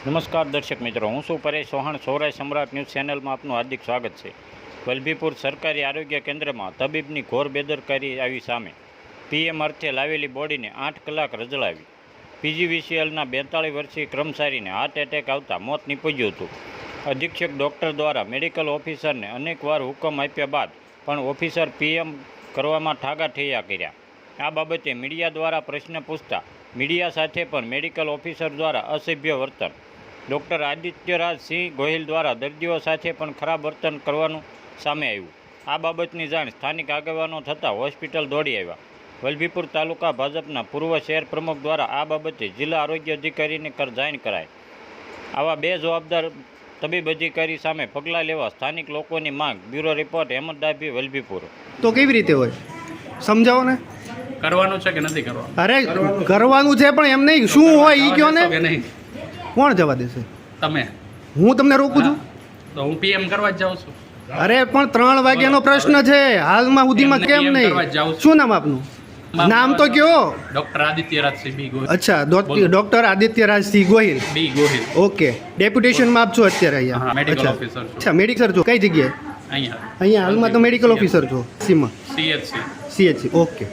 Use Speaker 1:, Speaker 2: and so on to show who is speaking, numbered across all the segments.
Speaker 1: નમસ્કાર દર્શક મિત્રો, હું છું પરેશ ચૌહાણ. સૌરાષ્ટ્ર સમ્રાટ ન્યૂઝ ચેનલમાં આપનું હાર્દિક સ્વાગત છે. વલભીપુર સરકારી આરોગ્ય કેન્દ્રમાં તબીબની ઘોર બેદરકારી આવી સામે. પીએમ અર્થે લાવેલી બોડીને 8 કલાક રજળાવી. પીજીવીસીએલના 42 વર્ષીય કર્મચારીને હાર્ટ એટેક આવતા મોત નીપજ્યું હતું. અધિક્ષક ડૉક્ટર દ્વારા મેડિકલ ઓફિસરને અનેકવાર હુકમ આપ્યા બાદ પણ ઓફિસર પીએમ કરવામાં ઠાગાઠૈયા કર્યા. આ બાબતે મીડિયા દ્વારા પ્રશ્ન પૂછતા મીડિયા સાથે પણ મેડિકલ ઓફિસર દ્વારા અસભ્ય વર્તન. ડૉક્ટર આદિત્યરાજ સિંહ ગોહિલ દ્વારા દર્દીઓ સાથે પણ ખરાબ વર્તન કરવાનું સામે આવ્યું. આ બાબતની જાણ સ્થાનિક આગેવાનો થતાં હોસ્પિટલ દોડી આવ્યા. વલભીપુર તાલુકા ભાજપના પૂર્વ શહેર પ્રમુખ દ્વારા આ બાબતે જિલ્લા આરોગ્ય અધિકારીને જાણ કરાઈ. આવા બેજવાબદાર તબીબ અધિકારી સામે પગલાં લેવા સ્થાનિક લોકોની માંગ. Bureau report Hemant Dabhi, Vallabhipur.
Speaker 2: તો કેવી રીતે હોય સમજાવો ને.
Speaker 3: કરવાનું છે કે નથી કરવાનું?
Speaker 2: અરે કરવાનું છે પણ એમ નહીં, શું હોય ઈ કયો ને. કોણ જવા દેશે?
Speaker 3: તમે.
Speaker 2: હું તમને રોકું છું?
Speaker 3: તો હું પીએમ કરવા જ જાઉં છું.
Speaker 2: અરે પણ 3 વાગ્યાનો પ્રશ્ન છે, હાલમાં સુધીમાં કેમ નહીં? શું નામ આપનું? નામ તો કયો?
Speaker 3: Doctor Adityaraj Singh B Gohil.
Speaker 2: અચ્છા, doctor Adityaraj Singh Gohil.
Speaker 3: B Gohil.
Speaker 2: Okay, ડેપ્યુટેશનમાં આપ છો અત્યારે અહીંયા?
Speaker 3: મેડિકલ ઓફિસર છું.
Speaker 2: અચ્છા, મેડિકલ છો કઈ જગ્યાએ? અહીંયા હાલમાં તો મેડિકલ ઓફિસર છો સીમાં? સીએચસી. ઓકે.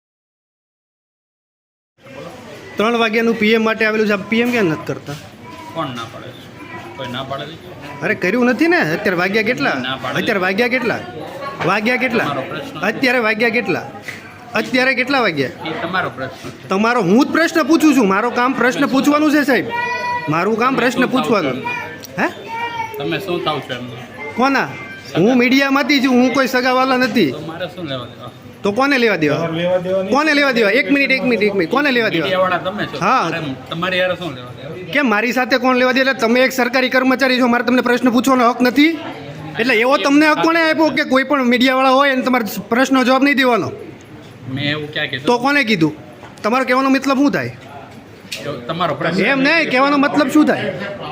Speaker 2: 3 વાગ્યાનું પીએમ માટે આવેલું છે. પીએમ કેમ નથી કરતા?
Speaker 3: કોણ ના પાડે? કોઈ ના પાડે?
Speaker 2: અરે કર્યું નથી ને. અત્યારે વાગ્યા કેટલા? અત્યારે વાગ્યા કેટલા? અત્યારે વાગ્યા કેટલા? અત્યારે કેટલા વાગ્યા?
Speaker 3: એ તમારો પ્રશ્ન.
Speaker 2: તમારો હું જ પ્રશ્ન પૂછું છું. મારો કામ પ્રશ્ન પૂછવાનું છે સાહેબ. મારું કામ પ્રશ્ન પૂછવાનું. હે
Speaker 3: તમે શું થાવ છો એમ?
Speaker 2: કોના? હું મીડિયામાંથી છું. હું કોઈ સગાવાલા નથી.
Speaker 3: તો મારે શું લેવા દેવા?
Speaker 2: તો કોને લેવા દેવા? કોને લેવા દેવા? એક મિનિટ. કોને લેવા દેવા?
Speaker 3: મીડિયાવાળા તમે છો.
Speaker 2: હા,
Speaker 3: તમારી યાર શું લેવા દેવા?
Speaker 2: કેમ મારી સાથે કોણ લેવા દે? એટલે તમે એક સરકારી કર્મચારી છો, મારે તમને પ્રશ્ન પૂછવાનો હક નથી? એટલે એવો તમને હક કોને આપ્યો કે કોઈ પણ મીડિયાવાળા હોય અને તમારે પ્રશ્નનો જવાબ નહીં દેવાનો?
Speaker 3: મેં એવું ક્યાં કીધું?
Speaker 2: તો કોને કીધું? તમારો કહેવાનો મતલબ શું થાય?
Speaker 3: તમારો પ્રશ્ન.
Speaker 2: એમ નહીં, કહેવાનો મતલબ શું થાય?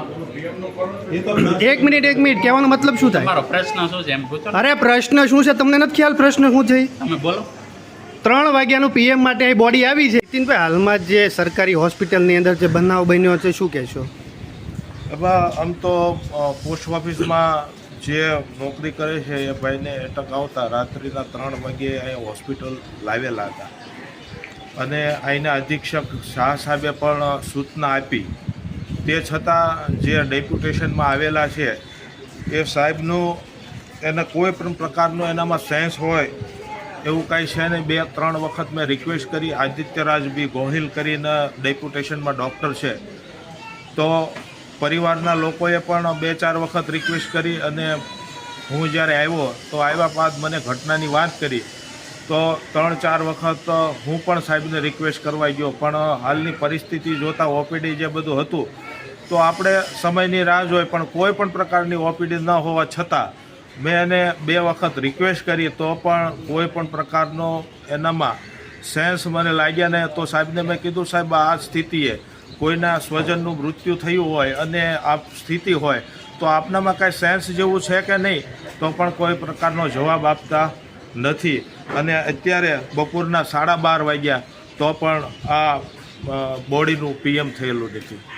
Speaker 2: એક મિનિટ, કહેવાનો મતલબ શું થાય?
Speaker 3: તમારો પ્રશ્ન શું છે એમ પૂછો.
Speaker 2: અરે પ્રશ્ન શું છે તમને નથી ખ્યાલ? પ્રશ્ન શું છે?
Speaker 3: તમે બોલો.
Speaker 2: 3 વાગ્યાનું પીએમ માટે અહીં બોડી આવી છે. નીતિનભાઈ, હાલમાં જે સરકારી હોસ્પિટલની અંદર જે બનાવ બન્યો છે, શું કહેશો?
Speaker 4: એમાં આમ તો પોસ્ટ ઓફિસમાં જે નોકરી કરે છે એ ભાઈને એટક આવતા રાત્રિના 3 વાગ્યે અહીં હોસ્પિટલ લાવેલા હતા અને અહીંના અધિક્ષક શાહ સાહેબે પણ સૂચના આપી. તે છતાં જે ડેપ્યુટેશનમાં આવેલા છે એ સાહેબનું એને કોઈ પણ પ્રકારનો એનામાં સેન્સ હોય એવું કાંઈ છે નહીં. 2-3 વખત મેં રિક્વેસ્ટ કરી. આદિત્યરાજ બી ગોહિલ કરીને ડેપ્યુટેશનમાં ડૉક્ટર છે, તો પરિવારના લોકોએ પણ 2-4 વખત રિક્વેસ્ટ કરી અને હું જ્યારે આવ્યો તો આવ્યા બાદ મને ઘટનાની વાત કરી તો 3-4 વખત હું પણ સાહેબને રિક્વેસ્ટ કરવા ગયો. પણ હાલની પરિસ્થિતિ જોતાં ઓપીડી જે બધું હતું તો આપણે સમયની રાહ જોઈ, પણ કોઈ પણ પ્રકારની ઓપીડી ન હોવા છતાં મેં એને 2 વખત રિક્વેસ્ટ કરી તો પણ કોઈ પણ પ્રકારનો એનામાં સેન્સ મને લાગ્યા ને. તો સાહેબને મેં કીધું, સાહેબ આ સ્થિતિએ કોઈના સ્વજનનું મૃત્યુ થયું હોય અને આ સ્થિતિ હોય તો આપનામાં કાંઈ સેન્સ જેવું છે કે નહીં? તો પણ કોઈ પ્રકારનો જવાબ આપતા નથી. અને અત્યારે બપોરના 12:30 વાગ્યા તો પણ આ બોડીનું પીએમ થયેલું નથી.